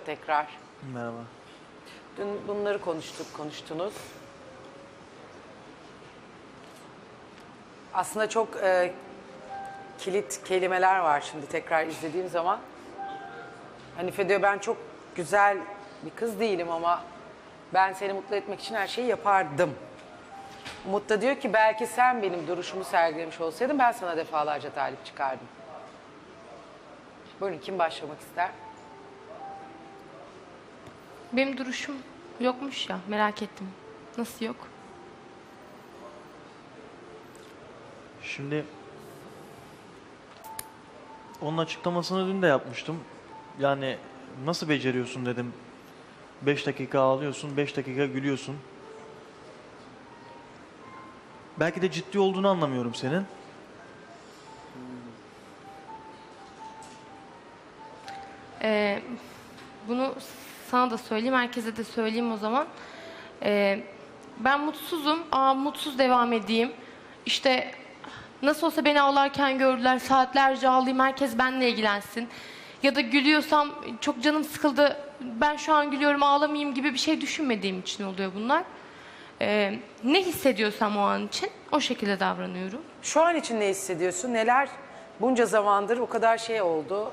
tekrar. Merhaba. Dün bunları konuştunuz. Aslında çok kilit kelimeler var şimdi tekrar izlediğim zaman. Hanife diyor ben çok güzel bir kız değilim ama ben seni mutlu etmek için her şeyi yapardım. Umut da diyor ki belki sen benim duruşumu sergilemiş olsaydın ben sana defalarca talip çıkardım. Buyurun kim başlamak ister? Benim duruşum yokmuş ya, merak ettim. Nasıl yok? Şimdi onun açıklamasını dün de yapmıştım. Yani nasıl beceriyorsun dedim. 5 dakika ağlıyorsun, 5 dakika gülüyorsun. Belki de ciddi olduğunu anlamıyorum senin. Bunu sana da söyleyeyim, herkese de söyleyeyim o zaman. Ben mutsuzum, mutsuz devam edeyim. İşte nasıl olsa beni ağlarken gördüler, saatlerce ağlayayım, herkes benimle ilgilensin. Ya da gülüyorsam çok canım sıkıldı, ben şu an gülüyorum ağlamayayım gibi bir şey düşünmediğim için oluyor bunlar. Ne hissediyorsam o an için o şekilde davranıyorum. Şu an için ne hissediyorsun? Neler bunca zamandır o kadar şey oldu.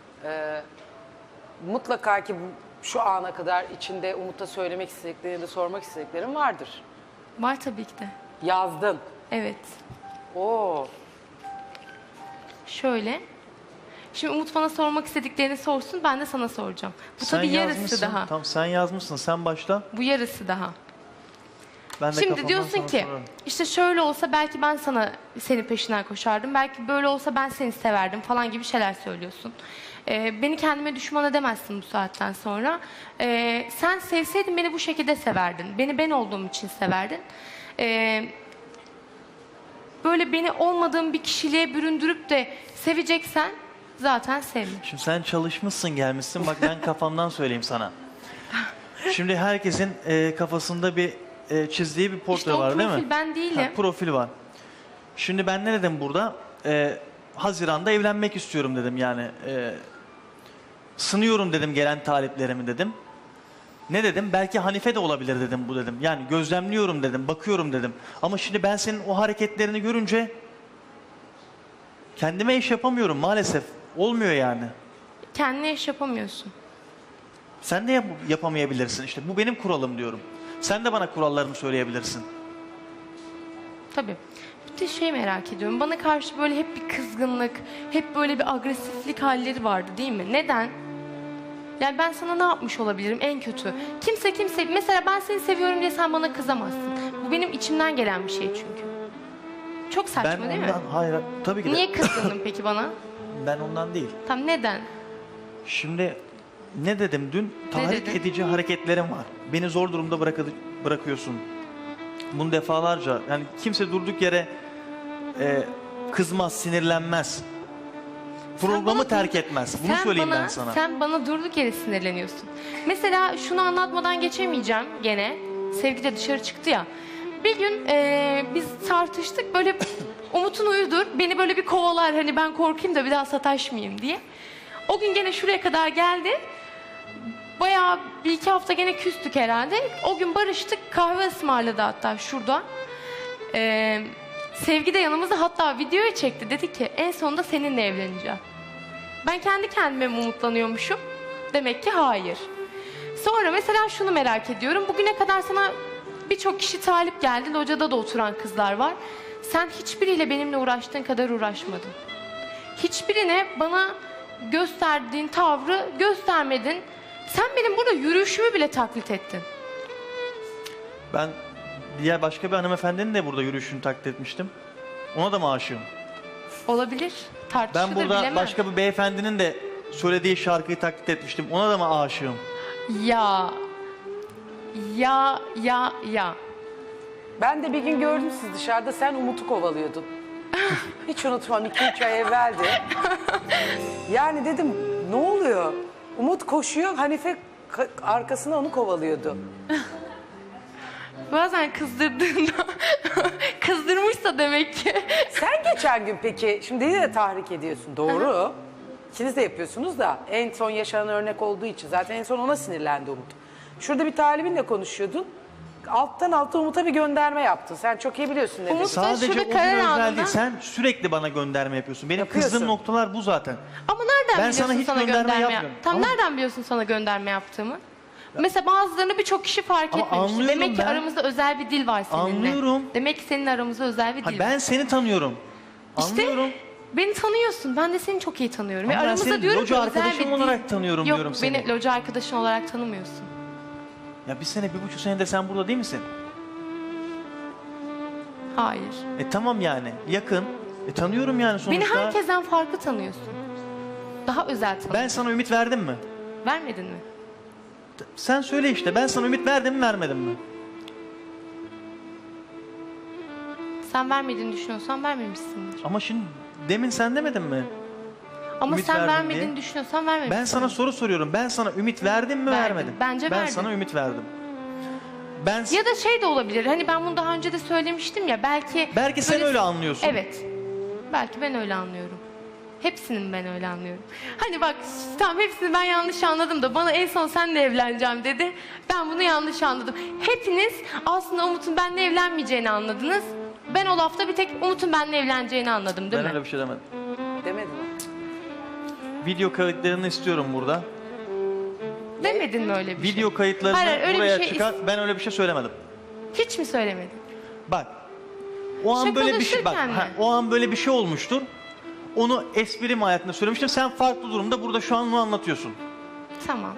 Mutlaka ki şu ana kadar içinde Umut'a söylemek istediklerini de sormak istediklerin vardır. Var tabii ki de. Yazdın. Evet. Oo. Şöyle. Şimdi Umut bana sormak istediklerini sorsun, ben de sana soracağım. Bu tabii yarısı yazmışsın, daha. Tamam sen yazmışsın, sen başla. Bu yarısı daha. Ben de Şimdi kafamdan diyorsun sana ki, sorarım. işte şöyle olsa belki ben senin peşinden koşardım. Belki böyle olsa ben seni severdim falan gibi şeyler söylüyorsun. Beni kendime düşman edemezsin bu saatten sonra. Sen sevseydin beni bu şekilde severdin. Beni ben olduğum için severdin. Böyle beni olmadığım bir kişiliğe büründürüp de seveceksen zaten sevme. Şimdi sen çalışmışsın gelmişsin, bak ben kafamdan söyleyeyim sana. Şimdi herkesin kafasında bir çizdiği bir portre İşte o var değil mi? profil ben değilim. Ha, profil var. Şimdi ben ne dedim burada? Haziran'da evlenmek istiyorum dedim yani. Sınıyorum dedim gelen taliplerimi dedim. Ne dedim? Belki Hanife de olabilir dedim bu dedim. Yani gözlemliyorum dedim, bakıyorum dedim. Ama şimdi ben senin o hareketlerini görünce kendime iş yapamıyorum maalesef. Olmuyor yani. Kendine iş yapamıyorsun. Sen de yapamayabilirsin işte. Bu benim kuralım diyorum. Sen de bana kurallarını söyleyebilirsin. Tabii. Bir de şey merak ediyorum. Bana karşı böyle hep bir kızgınlık, hep böyle bir agresiflik halleri vardı değil mi? Neden? Yani ben sana ne yapmış olabilirim en kötü? Kimse, mesela ben seni seviyorum diye sen bana kızamazsın. Bu benim içimden gelen bir şey çünkü. Çok saçma Ben değil mi? ondan, hayır tabii ki de. Niye kızdın peki bana? Ben ondan değil. Tam neden? Şimdi ne dedim dün? Tahrik dedin? edici hareketlerim var. Beni zor durumda bırakıyorsun. Bunu defalarca, yani kimse durduk yere kızmaz, sinirlenmez. Programı terk etmez. Bunu söyleyeyim ben sana. Sen bana durduk yere sinirleniyorsun. Mesela şunu anlatmadan geçemeyeceğim gene. Sevgi de dışarı çıktı ya. Bir gün biz tartıştık böyle Umut'un uyudur. Beni böyle bir kovalar hani ben korkayım da bir daha sataşmayayım diye. O gün gene şuraya kadar geldi. Bayağı bir iki hafta gene küstük herhalde. O gün barıştık, kahve ısmarladı hatta şurada. Sevgi de yanımızda, hatta videoyu çekti. Dedi ki en sonunda seninle evleneceğim. Ben kendi kendime mi umutlanıyormuşum? Demek ki hayır. Sonra mesela şunu merak ediyorum. Bugüne kadar sana birçok kişi talip geldi. Locada da oturan kızlar var. Sen hiçbiriyle benimle uğraştığın kadar uğraşmadın. Hiçbirine bana gösterdiğin tavrı göstermedin. Sen benim burada yürüyüşümü bile taklit ettin. Ben diğer başka bir hanımefendinin de burada yürüyüşünü taklit etmiştim. Ona da mı aşığım? Olabilir. Tartışılır, Ben burada bilemem. başka bir beyefendinin de söylediği şarkıyı taklit etmiştim. Ona da mı aşığım? Ya. Ben de bir gün gördüm siz dışarıda sen Umut'u kovalıyordun. Hiç unutmam 2-3 ay evveldi. Yani dedim ne oluyor? Umut koşuyor Hanife arkasına onu kovalıyordu. Bazen kızdırdığında kızdırmışsa demek ki. Sen geçen gün peki şimdi dedi de tahrik ediyorsun doğru. İkiniz de yapıyorsunuz da en son yaşanan örnek olduğu için zaten en son ona sinirlendi Umut. Şurada bir talibinle konuşuyordun. Alttan alta Umut'a bir gönderme yaptın. Sen çok iyi biliyorsun ne Umut- dediğini. Sadece şurada o gün karar özel anında- değil. Sen sürekli bana gönderme yapıyorsun. Benim Yapıyorsun. kızdığım noktalar bu zaten. Ama nereden Ben biliyorsun sana hiç sana gönderme gönderme yapmıyorum. Tam Ama- nereden biliyorsun sana gönderme yaptığımı? Mesela bazılarını birçok kişi fark Ama etmemiş. anlıyorum Demek ki ben. aramızda özel bir dil var seninle. Anlıyorum. Demek ki senin aramızda özel bir Ha, dil ben var. seni tanıyorum. Anlıyorum. İşte beni tanıyorsun. Ben de seni çok iyi tanıyorum. Ama Ve ben aramızda seni diyorum loca ki özel arkadaşım bir dil. olarak tanıyorum Yok, diyorum seni. beni loca arkadaşın olarak tanımıyorsun. Ya bir sene, 1,5 senedir sen burada değil misin? Hayır. Tamam yani. Yakın. Tanıyorum yani sonuçta. Beni herkesten farklı tanıyorsun. Daha özel tanıyorsun. Ben sana ümit verdim mi? Vermedin mi? Sen söyle işte. Ben sana ümit verdim mi, vermedim mi? Sen vermediğini düşünüyorsan vermemişsindir. Ama şimdi demin sen demedin mi? Ama Ümit sen verdim vermediğini diye. düşünüyorsan vermemişsin. Ben sana soru soruyorum. Ben sana ümit verdim mi, Verdim. vermedim? Bence ben verdin. sana ümit verdim. Ben Ya da şey de olabilir. Hani ben bunu daha önce de söylemiştim ya. Belki sen öyle anlıyorsun. Evet. Belki ben öyle anlıyorum. Hepsinin ben öyle anlıyorum. Hani bak tamam hepsini ben yanlış anladım da bana en son senle evleneceğim dedi. Ben bunu yanlış anladım. Hepiniz aslında Umut'un benimle evlenmeyeceğini anladınız. Ben o lafta bir tek Umut'un benimle evleneceğini anladım değil Ben mi? öyle bir şey demedim. Demedin mi? Video kayıtlarını istiyorum burada. Demedin mi öyle bir şey? Video kayıtlarını Hayır, öyle bir buraya şey çıkar. Ben öyle bir şey söylemedim. Hiç mi söylemedin? Bak. O an böyle bir şey bak. Şakalaşırken mi? O an böyle bir şey olmuştur. Onu espri mahiyetinde söylemiştim. Sen farklı durumda burada şu an onu anlatıyorsun. Tamam.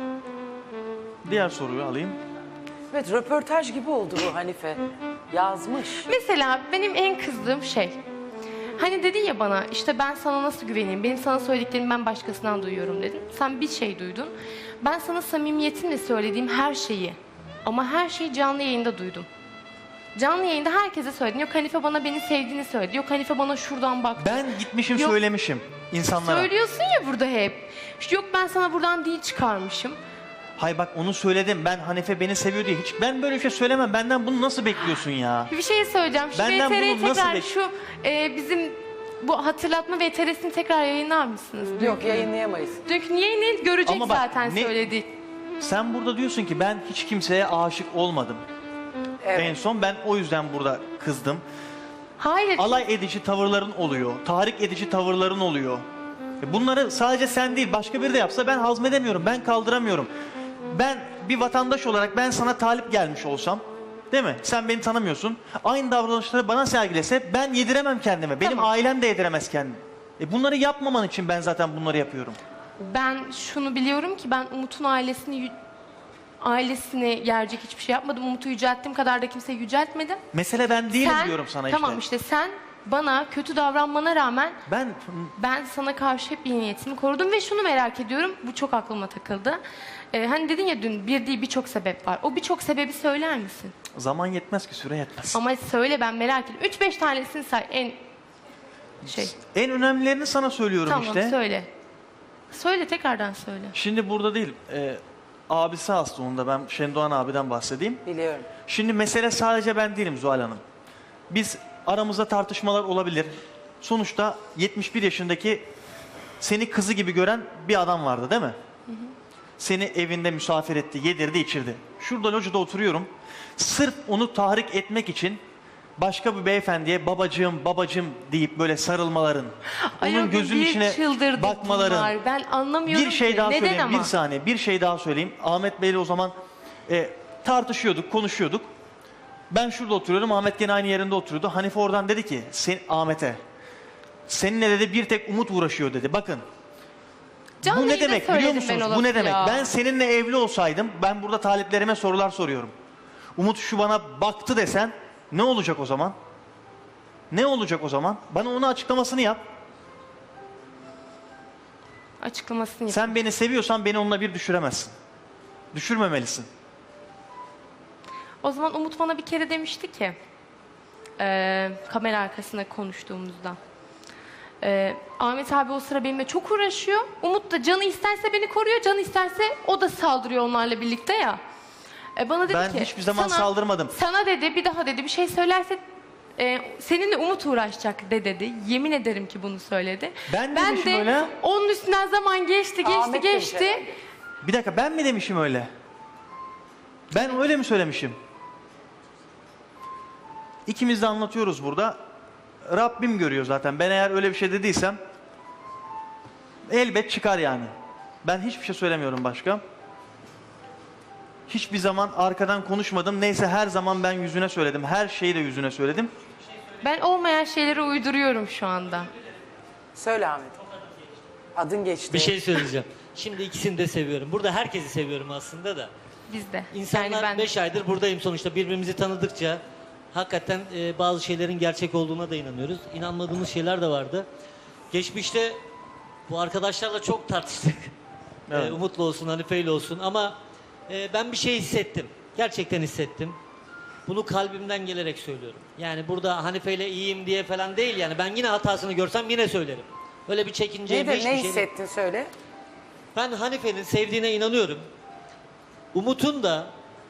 Diğer soruyu alayım. Evet, röportaj gibi oldu bu Hanife. Yazmış. Mesela benim en kızdığım şey. Hani dedin ya bana işte ben sana nasıl güveneyim? Benim sana söylediklerimi ben başkasından duyuyorum dedin. Sen bir şey duydun. Ben sana samimiyetimle söylediğim her şeyi ama her şeyi canlı yayında duydum. Canlı yayında herkese söyledin. Yok Hanife bana beni sevdiğini söyledi. Yok Hanife bana şuradan baktı. Ben gitmişim Yok. söylemişim insanlara. Söylüyorsun ya burada hep. Yok ben sana buradan dil çıkarmışım. Hay bak onu söyledim. Ben Hanife beni seviyor diye. Hiç ben böyle bir şey söylemem. Benden bunu nasıl bekliyorsun ya? Bir şey söyleyeceğim. Şu Benden VTR'yi bunu nasıl tekrar şu bizim bu hatırlatma VTR'sini tekrar yayınlar mısınız? Yok, yayınlayamayız. Dünkü niye görecek Ama bak, zaten ne- söyledik. Sen burada diyorsun ki ben hiç kimseye aşık olmadım. Evet. En son ben o yüzden burada kızdım. Hayır. Alay edici tavırların oluyor. Tahrik edici tavırların oluyor. Bunları sadece sen değil başka biri de yapsa ben hazmedemiyorum. Ben kaldıramıyorum. Ben bir vatandaş olarak ben sana talip gelmiş olsam, değil mi? Sen beni tanımıyorsun. Aynı davranışları bana sergilese ben yediremem kendime. Benim Tamam. ailem de yediremez kendini. Bunları yapmaman için ben zaten bunları yapıyorum. Ben şunu biliyorum ki ben Umut'un ailesini gerecek hiçbir şey yapmadım. Umut'u yücelttiğim kadar da kimseyi yüceltmedim. Mesele ben değilim Sen- diyorum sana Tamam işte sen bana kötü davranmana rağmen ben sana karşı hep iyi niyetimi korudum ve şunu merak ediyorum. Bu çok aklıma takıldı. Hani dedin ya dün bir değil birçok sebep var. O birçok sebebi söyler misin? Zaman yetmez ki, süre yetmez. Ama söyle ben merak ediyorum. 3-5 tanesini say en şey. En önemlilerini sana söylüyorum Tamam işte. söyle. Söyle tekrardan söyle. Şimdi burada değil. Abisi hasta onda. Ben Şendoğan abiden bahsedeyim. Biliyorum. Şimdi mesele sadece ben değilim Zuhal Hanım. Biz aramızda tartışmalar olabilir. Sonuçta 71 yaşındaki seni kızı gibi gören bir adam vardı değil mi? Seni evinde misafir etti, yedirdi, içirdi. Şurada locada oturuyorum. Sırf onu tahrik etmek için başka bir beyefendiye babacığım babacığım deyip böyle sarılmaların, Ay, o onun gün gözünün bir içine çıldırdık bakmaların. bunlar. Ben anlamıyorum Bir şey ki. daha Neden söyleyeyim, ama? bir saniye. Bir şey daha söyleyeyim. Ahmet Bey'le o zaman tartışıyorduk, konuşuyorduk. Ben şurada oturuyorum, Ahmet gene aynı yerinde oturuyordu. Hanife oradan dedi ki Ahmet'e, seninle dedi bir tek Umut uğraşıyor dedi. Bakın, Canlı bu ne yayında demek biliyor söyledim ben musunuz? o Bu ne lafı demek? ya. Ben seninle evli olsaydım, ben burada taliplerime sorular soruyorum. Umut şu bana baktı desen, ne olacak o zaman? Ne olacak o zaman? Bana onun açıklamasını yap. Açıklamasını yap. Sen beni seviyorsan beni onunla bir düşüremezsin. Düşürmemelisin. O zaman Umut bana bir kere demişti ki kamera arkasında konuştuğumuzda Ahmet abi o sıra benimle çok uğraşıyor. Umut da canı isterse beni koruyor, canı isterse o da saldırıyor onlarla birlikte ya. Bana dedi Ben ki hiçbir zaman saldırmadım. Sana dedi bir daha dedi bir şey söylerse Seninle Umut uğraşacak de dedi. Yemin ederim ki bunu söyledi. Ben demişim öyle. Onun üstünden zaman geçti Ahmet demiş geçti. herhalde. Bir dakika, ben mi demişim öyle? Ben öyle mi söylemişim? İkimiz de anlatıyoruz burada. Rabbim görüyor zaten. Ben eğer öyle bir şey dediysem elbet çıkar yani. Ben hiçbir şey söylemiyorum başka. Hiçbir zaman arkadan konuşmadım. Neyse, her zaman ben yüzüne söyledim. Her şeyi de yüzüne söyledim. Ben olmayan şeyleri uyduruyorum şu anda. Söyle Ahmet. Adın geçti. Bir şey söyleyeceğim. Şimdi ikisini de seviyorum. Burada herkesi seviyorum aslında da. Biz de. İnsanlar ben 5 aydır buradayım sonuçta. Birbirimizi tanıdıkça hakikaten bazı şeylerin gerçek olduğuna da inanıyoruz. İnanmadığımız şeyler de vardı. Geçmişte bu arkadaşlarla çok tartıştık. Evet. Umut'la olsun, Hanife'yle olsun ama ben bir şey hissettim. Gerçekten hissettim. Bunu kalbimden gelerek söylüyorum. Yani burada Hanife'yle iyiyim diye falan değil yani. Ben yine hatasını görsem yine söylerim. Öyle bir çekinceyim. Ne, hiçbir ne şeyim- hissettin söyle. Ben Hanife'nin sevdiğine inanıyorum. Umut'un da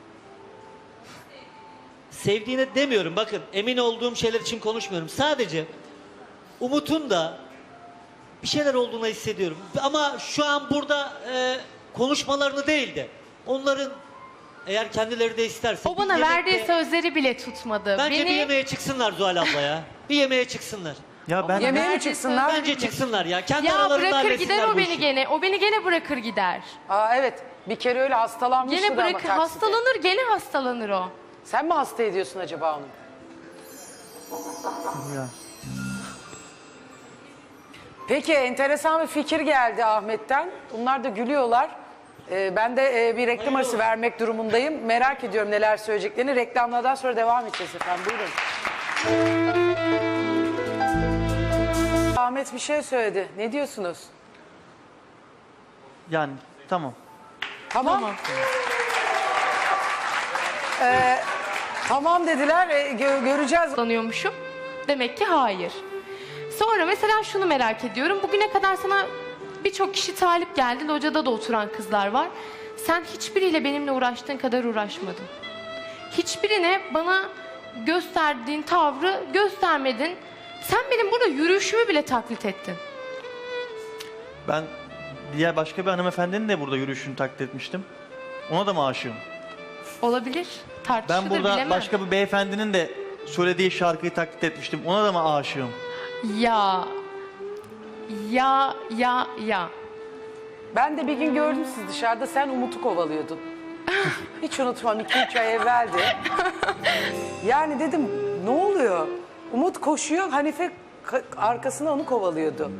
sevdiğine demiyorum. Bakın, emin olduğum şeyler için konuşmuyorum. Sadece Umut'un da bir şeyler olduğunu hissediyorum. Ama şu an burada konuşmalarını değil de onların, eğer kendileri de isterse O bana bir verdiği yemekte- sözleri bile tutmadı. Bence bir Beni yemeğe çıksınlar Zuhal abla ya. Bir yemeğe çıksınlar. Ya ben Yemeğe mi Nerede çıksınlar? Bence çıksınlar ya. Kendi ya aralarında bırakır halletsinler gider o bu beni işi. gene. O beni gene bırakır gider. Aa evet. Bir kere öyle hastalanmıştı Gene da ama bırakır. takside. Hastalanır gene hastalanır o. Sen mi hasta ediyorsun acaba onu? Ya. Peki, enteresan bir fikir geldi Ahmet'ten. Bunlar da gülüyorlar. Ben de bir reklam arası vermek durumundayım. Merak ediyorum neler söyleyeceklerini. Reklamlardan sonra devam edeceğiz efendim. Buyurun. Ahmet bir şey söyledi. Ne diyorsunuz? Yani tamam. Tamam. Tamam dediler. Göreceğiz. Hastalanıyormuşum. Demek ki hayır. Sonra mesela şunu merak ediyorum. Bugüne kadar sana birçok kişi talip geldi. Locada da oturan kızlar var. Sen hiçbiriyle benimle uğraştığın kadar uğraşmadın. Hiçbirine bana gösterdiğin tavrı göstermedin. Sen benim burada yürüyüşümü bile taklit ettin. Ben diğer başka bir hanımefendinin de burada yürüyüşünü taklit etmiştim. Ona da mı aşığım? Olabilir. Tartışılır Ben burada bilemem. başka bir beyefendinin de söylediği şarkıyı taklit etmiştim. Ona da mı aşığım? Ya. Ya. Ben de bir gün gördüm siz dışarıda. Sen Umut'u kovalıyordun. Hiç unutmam, 2-3 ay evveldi. Yani dedim ne oluyor? Umut koşuyor, Hanife arkasına onu kovalıyordu.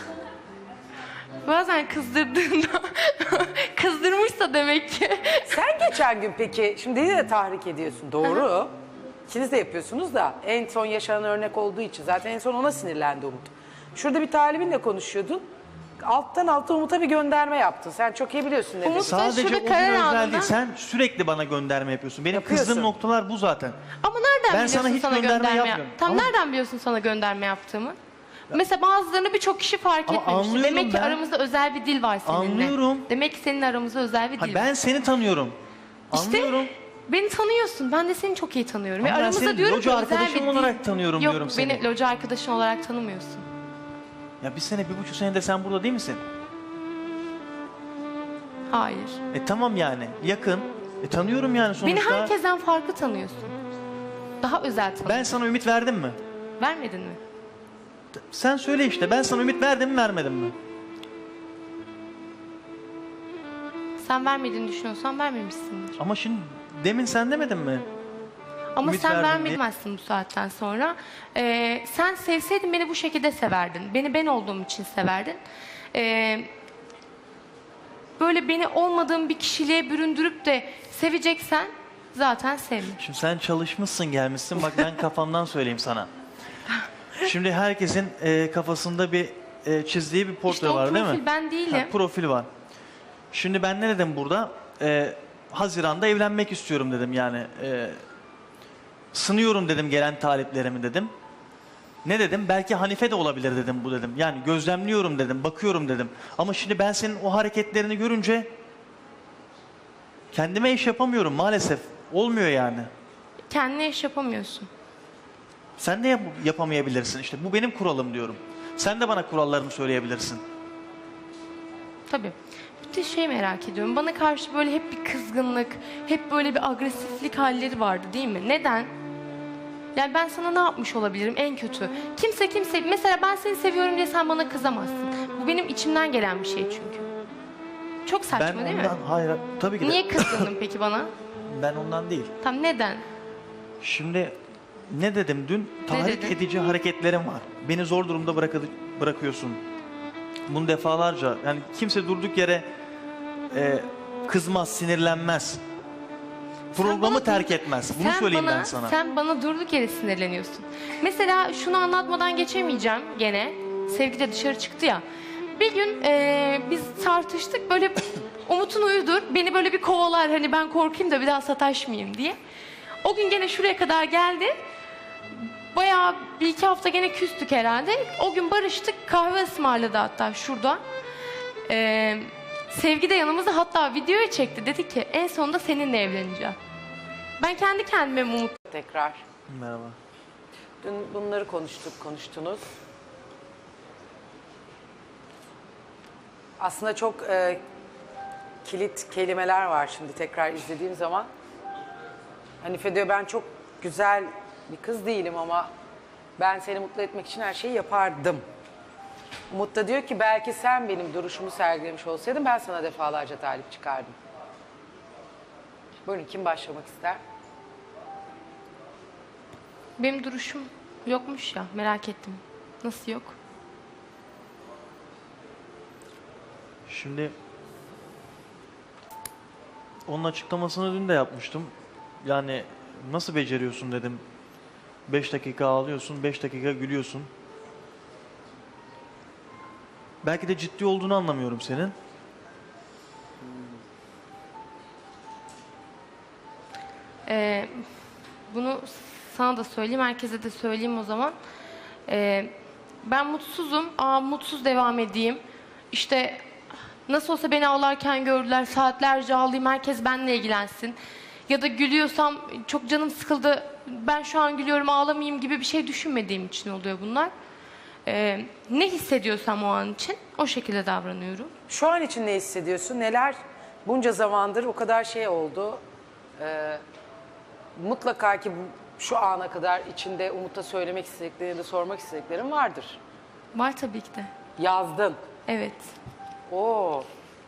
Bazen kızdırdığında kızdırmışsa demek ki. Sen geçen gün peki, şimdi de tahrik ediyorsun, doğru. İkiniz de yapıyorsunuz da en son yaşanan örnek olduğu için zaten en son ona sinirlendi Umut. Şurada bir talibinle konuşuyordun. Alttan alta Umut'a bir gönderme yaptın. Sen çok iyi biliyorsun ne Umut- dediğini. Sadece şurada o gün karar özel anında- değil. Sen sürekli bana gönderme yapıyorsun. Benim Yapıyorsun. kızdığım noktalar bu zaten. Ama nereden Ben biliyorsun sana hiç sana gönderme gönderme yapmıyorum. Tam Ama- nereden biliyorsun sana gönderme yaptığımı? Mesela bazılarını birçok kişi fark Ama etmemiş. anlıyorum Demek ki ben. aramızda özel bir dil var seninle. Anlıyorum. Demek ki senin aramızda özel bir Ha, dil var. ben seni tanıyorum. İşte Anlıyorum. beni tanıyorsun. Ben de seni çok iyi tanıyorum. Ama Ve ben aramızda seni diyorum loca ki özel arkadaşım bir dil. olarak tanıyorum Yok, diyorum beni seni. loca arkadaşın olarak tanımıyorsun. Ya bir sene, 1,5 senedir sen burada değil misin? Hayır. Tamam yani. Yakın. Tanıyorum yani sonuçta. Beni herkesten farklı tanıyorsun. Daha özel tanıyorsun. Ben sana ümit verdim mi? Vermedin mi? Sen söyle işte. Ben sana ümit verdim mi, vermedim mi? Sen vermediğini düşünüyorsan vermemişsindir. Ama şimdi demin sen demedin mi? Ama Ümit sen verdim diye. vermezsin bu saatten sonra. Sen sevseydin beni bu şekilde severdin. Beni ben olduğum için severdin. Böyle beni olmadığım bir kişiliğe büründürüp de seveceksen zaten sevme. Şimdi sen çalışmışsın, gelmişsin. Bak ben kafamdan söyleyeyim sana. Şimdi herkesin kafasında bir çizdiği bir portre İşte o var değil mi? profil ben değilim. Ha, profil var. Şimdi ben ne dedim burada? Haziran'da evlenmek istiyorum dedim yani. Sınıyorum dedim gelen taliplerimi dedim. Ne dedim? Belki Hanife de olabilir dedim bu dedim. Yani gözlemliyorum dedim, bakıyorum dedim. Ama şimdi ben senin o hareketlerini görünce kendime iş yapamıyorum maalesef. Olmuyor yani. Kendine iş yapamıyorsun. Sen de yapamayabilirsin. İşte bu benim kuralım diyorum. Sen de bana kurallarını söyleyebilirsin. Tabii. Bir de şey merak ediyorum. Bana karşı böyle hep bir kızgınlık, hep böyle bir agresiflik halleri vardı değil mi? Neden? Yani ben sana ne yapmış olabilirim en kötü? Kimse mesela ben seni seviyorum diye sen bana kızamazsın. Bu benim içimden gelen bir şey çünkü. Çok saçma Ben değil mi? ondan, hayır tabii ki de. Niye kızdın peki bana? Ben ondan değil. Tam neden? Şimdi ne dedim dün? Tahrik dedin? edici hareketlerim var. Beni zor durumda bırakıyorsun. Bunu defalarca, yani kimse durduk yere kızmaz, sinirlenmez. Programı bana terk durduk- etmez. Bunu söyleyeyim ben sana. Sen bana durduk yere sinirleniyorsun. Mesela şunu anlatmadan geçemeyeceğim gene. Sevgi de dışarı çıktı ya. Bir gün biz tartıştık böyle Umut'un uyudur. Beni böyle bir kovalar hani ben korkayım da bir daha sataşmayayım diye. O gün gene şuraya kadar geldi. Bayağı bir iki hafta gene küstük herhalde. O gün barıştık. Kahve ısmarladı hatta şurada. Sevgi de yanımızda hatta videoya çekti. Dedi ki en sonunda seninle evleneceğim. Ben kendi kendime umut. Tekrar. Merhaba. Dün bunları konuştunuz. Aslında çok kilit kelimeler var şimdi tekrar izlediğim zaman. Hanife diyor ben çok güzel bir kız değilim ama ben seni mutlu etmek için her şeyi yapardım. Umut da diyor ki belki sen benim duruşumu sergilemiş olsaydın ben sana defalarca talip çıkardım. Buyurun kim başlamak ister? Benim duruşum yokmuş ya merak ettim. Nasıl yok? Şimdi onun açıklamasını dün de yapmıştım. Yani nasıl beceriyorsun dedim. 5 dakika ağlıyorsun, 5 dakika gülüyorsun. Belki de ciddi olduğunu anlamıyorum senin. Bunu sana da söyleyeyim, herkese de söyleyeyim o zaman. Ben mutsuzum, mutsuz devam edeyim. İşte nasıl olsa beni ağlarken gördüler, saatlerce ağlayayım, herkes benimle ilgilensin. Ya da gülüyorsam çok canım sıkıldı, ben şu an gülüyorum ağlamayayım gibi bir şey düşünmediğim için oluyor bunlar. Ne hissediyorsam o an için o şekilde davranıyorum. Şu an için ne hissediyorsun? Neler bunca zamandır o kadar şey oldu. Mutlaka ki şu ana kadar içinde Umut'a söylemek istediklerini de sormak istediklerin vardır. Var tabii ki de. Yazdın. Evet. Oo.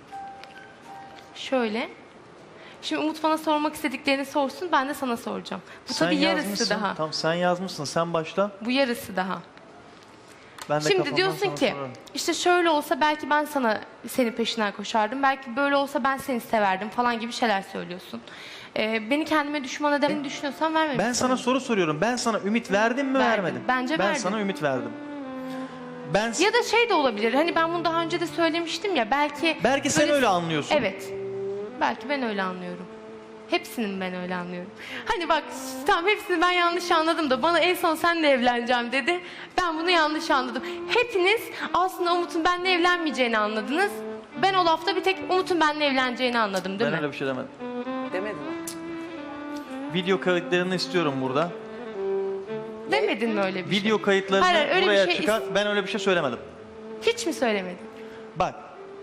Şöyle. Şimdi Umut bana sormak istediklerini sorsun, ben de sana soracağım. Bu tabii yarısı yazmışsın. daha. Tamam sen yazmışsın. Sen başla. Bu yarısı daha. Ben de Şimdi kafamdan diyorsun sana ki sorarım. işte şöyle olsa belki ben senin peşinden koşardım. Belki böyle olsa ben seni severdim falan gibi şeyler söylüyorsun. Beni kendime düşman edemini düşünüyorsan vermemişsin. Ben sana soru soruyorum. Ben sana ümit verdim mi Verdim. vermedim? Bence ben verdim. sana ümit verdim. Ben Ya da şey de olabilir. Hani ben bunu daha önce de söylemiştim ya. Belki sen böyle- öyle anlıyorsun. Evet. Belki ben öyle anlıyorum. Hepsinin ben öyle anlıyorum. Hani bak tamam hepsini ben yanlış anladım da bana en son seninle evleneceğim dedi. Ben bunu yanlış anladım. Hepiniz aslında Umut'un benimle evlenmeyeceğini anladınız. Ben o lafta bir tek Umut'un benimle evleneceğini anladım değil Ben mi? öyle bir şey demedim. Demedin mi? Video kayıtlarını istiyorum burada. Demedin mi öyle bir şey? Video kayıtlarını Hayır, öyle bir buraya şey çıkar. Ben öyle bir şey söylemedim. Hiç mi söylemedin? Bak.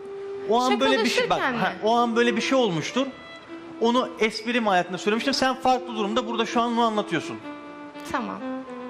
O an böyle bir şey bak. Şakalaşırken mi? O an böyle bir şey olmuştur. Onu espri mahiyetinde söylemiştim. Sen farklı durumda burada şu an onu anlatıyorsun. Tamam.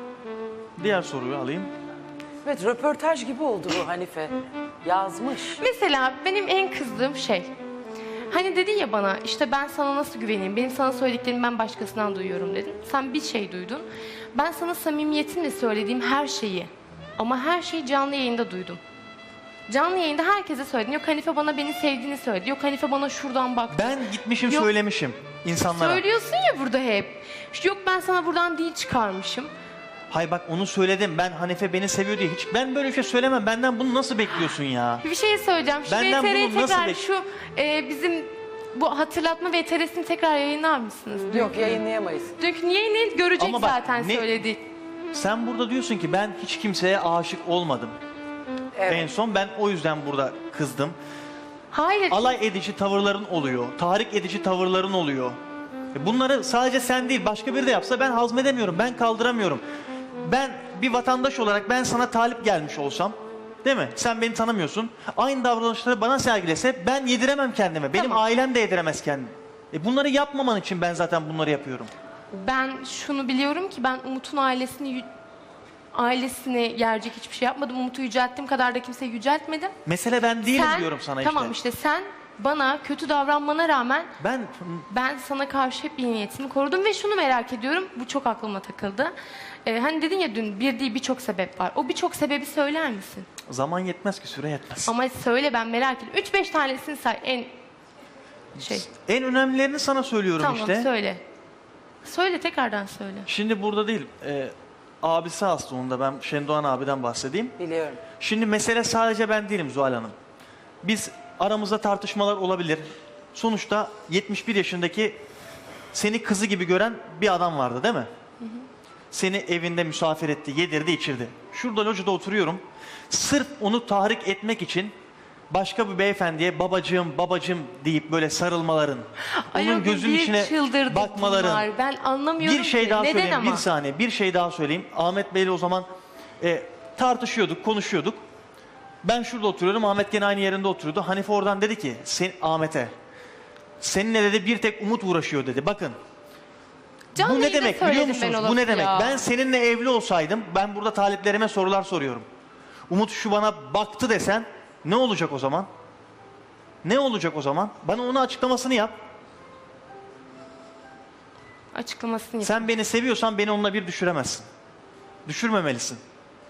Diğer soruyu alayım. Evet röportaj gibi oldu bu Hanife. Yazmış. Mesela benim en kızdığım şey. Hani dedin ya bana işte ben sana nasıl güveneyim? Benim sana söylediklerimi ben başkasından duyuyorum dedin. Sen bir şey duydun. Ben sana samimiyetimle söylediğim her şeyi ama her şeyi canlı yayında duydum. Canlı yayında herkese söyledin. Yok Hanife bana beni sevdiğini söyledi. Yok Hanife bana şuradan baktı. Ben gitmişim Yok. söylemişim insanlara. Söylüyorsun ya burada hep. Yok ben sana buradan değil çıkarmışım. Hay bak onu söyledim. Ben Hanife beni seviyor diye. Hiç ben böyle bir şey söylemem. Benden bunu nasıl bekliyorsun ya? Bir şey söyleyeceğim. Şu Benden VTR'yi bunu nasıl tekrar şu bizim bu hatırlatma VTR'sini tekrar yayınlar mısınız? Yok yayınlayamayız. Dünkü yayını görecek Ama bak, zaten ne- söyledik. Sen burada diyorsun ki ben hiç kimseye aşık olmadım. Evet. En son ben o yüzden burada kızdım. Hayır. Alay edici tavırların oluyor. Tahrik edici tavırların oluyor. Bunları sadece sen değil başka biri de yapsa ben hazmedemiyorum. Ben kaldıramıyorum. Ben bir vatandaş olarak ben sana talip gelmiş olsam, değil mi? Sen beni tanımıyorsun. Aynı davranışları bana sergilese ben yediremem kendime. Benim Tamam. ailem de yediremez kendini. Bunları yapmaman için ben zaten bunları yapıyorum. Ben şunu biliyorum ki ben Umut'un ailesini gerecek hiçbir şey yapmadım. Umut'u yücelttiğim kadar da kimseyi yüceltmedim. Mesele ben değilim diyorum sana işte. Tamam işte sen bana kötü davranmana rağmen Ben ben sana karşı hep iyi niyetimi korudum ve şunu merak ediyorum. Bu çok aklıma takıldı. Hani dedin ya dün bir değil birçok sebep var. O birçok sebebi söyler misin? zaman yetmez ki, süre yetmez. Ama söyle, ben merak ediyorum. 3-5 tanesini say en En önemlilerini sana söylüyorum Tamam işte. söyle. Söyle, tekrardan söyle. Şimdi burada değil. Abisi hasta, onun da ben Şendoğan abiden bahsedeyim. Biliyorum. Şimdi mesele sadece ben değilim Zuhal Hanım. Biz aramızda tartışmalar olabilir. Sonuçta 71 yaşındaki seni kızı gibi gören bir adam vardı değil mi? Seni evinde misafir etti, yedirdi, içirdi. Şurada locada oturuyorum. Sırf onu tahrik etmek için başka bir beyefendiye babacığım deyip böyle sarılmaların, Ay, o onun gün gözünün bir içine çıldırdık bakmaların. bunlar. Ben anlamıyorum Bir şey ki. daha Neden söyleyeyim, ama? bir saniye. Bir şey daha söyleyeyim. Ahmet Bey'le o zaman tartışıyorduk, konuşuyorduk. Ben şurada oturuyorum, Ahmet gene aynı yerinde oturuyordu. Hanife oradan dedi ki Ahmet'e, seninle dedi bir tek Umut uğraşıyor dedi. Bakın, Canlı bu ne yayında demek biliyor söyledim musunuz? ben o Bu ne lafı demek? ya. Ben seninle evli olsaydım, ben burada taliplerime sorular soruyorum. Umut şu bana baktı desen ne olacak o zaman? Ne olacak o zaman? Bana onun açıklamasını yap. Açıklamasını yap. Sen beni seviyorsan beni onunla bir düşüremezsin. Düşürmemelisin.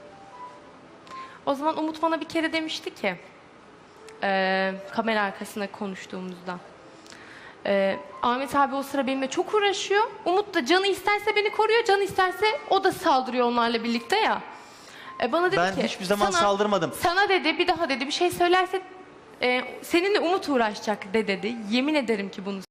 O zaman Umut bana bir kere demişti ki kamera arkasında konuştuğumuzda. Ahmet abi o sıra benimle çok uğraşıyor. Umut da canı isterse beni koruyor, canı isterse o da saldırıyor onlarla birlikte ya. Bana dedi Ben ki hiçbir zaman saldırmadım. Sana dedi bir daha dedi bir şey söylerse seninle Umut uğraşacak de dedi. Yemin ederim ki bunu